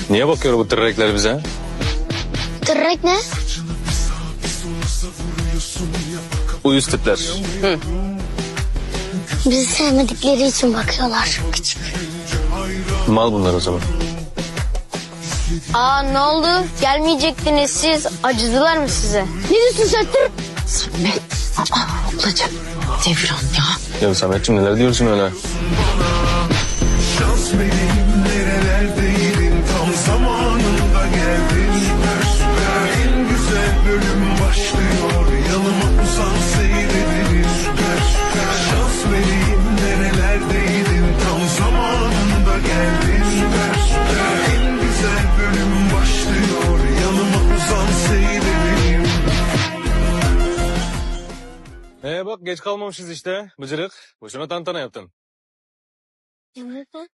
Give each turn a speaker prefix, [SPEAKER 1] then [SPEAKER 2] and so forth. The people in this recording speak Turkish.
[SPEAKER 1] Niye bakıyor bu tırrekler bize?
[SPEAKER 2] Tırrek ne?
[SPEAKER 1] Uyuz tipler.
[SPEAKER 2] Bizi sevmedikleri için bakıyorlar. Küçük.
[SPEAKER 1] Mal bunlar o zaman.
[SPEAKER 3] Aa ne oldu? Gelmeyecektiniz siz. Acıdılar mı size?
[SPEAKER 2] Ne diyorsun sen tır?
[SPEAKER 4] Samet. Ablacığım. Devran ya.
[SPEAKER 1] Ya Sametciğim neler diyorsun öyle?
[SPEAKER 5] Şans vereyim nerelerdeydin tam zamanında geldin süper süper en güzel bölüm başlıyor yanıma uzan seyredelim süper süper şans vereyim nerelerdeydin tam zamanında geldin süper süper en güzel bölüm başlıyor yanıma uzan seyredelim.
[SPEAKER 1] Bak geç kalmamışız işte. Bıcırık. Boşuna tantana yaptın.
[SPEAKER 2] Evet.